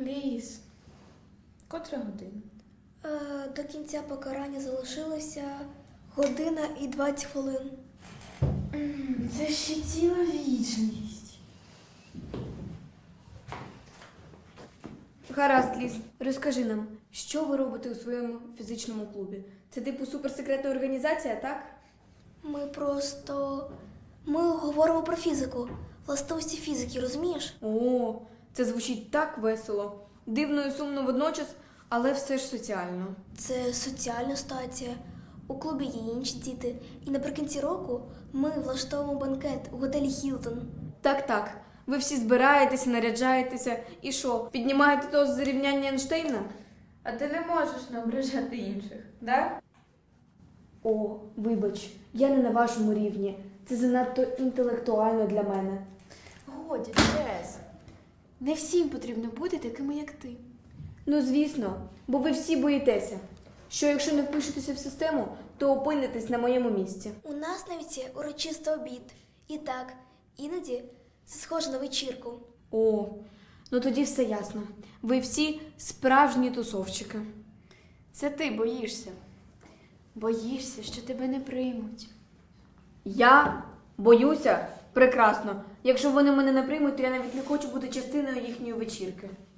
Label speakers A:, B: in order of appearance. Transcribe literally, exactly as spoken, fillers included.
A: Ліс. Котра година?
B: Е, до кінця покарання залишилося година і двадцять хвилин.
A: Це ще ціла вічність.
C: Гаразд, Ліз, розкажи нам, що ви робите у своєму фізичному клубі? Це типу суперсекретна організація, так?
B: Ми просто... Ми говоримо про фізику. Властивості фізики, розумієш?
C: О, це звучить так весело. Дивно і сумно водночас, але все ж соціально.
B: Це соціальна стація. У клубі є інші діти. І наприкінці року ми влаштовуємо банкет у готелі Хілтон.
C: Так-так, ви всі збираєтеся, наряджаєтеся і що, піднімаєте тост за рівняння Ейнштейна?
A: А ти не можеш не ображати інших, да?
C: О, вибач, я не на вашому рівні. Це занадто інтелектуально для мене.
A: Годі, Джес. Не всім потрібно бути такими, як ти.
C: Ну, звісно, бо ви всі боїтеся, що якщо не впишетеся в систему, то опинитесь на моєму місці.
B: У нас навіть є урочистий обід. І так, іноді це схоже на вечірку.
C: О, ну тоді все ясно. Ви всі справжні тусовчики.
A: Це ти боїшся. Боїшся, що тебе не приймуть.
C: Я боюся? Прекрасно. Якщо вони мене не приймуть, то я навіть не хочу бути частиною їхньої вечірки.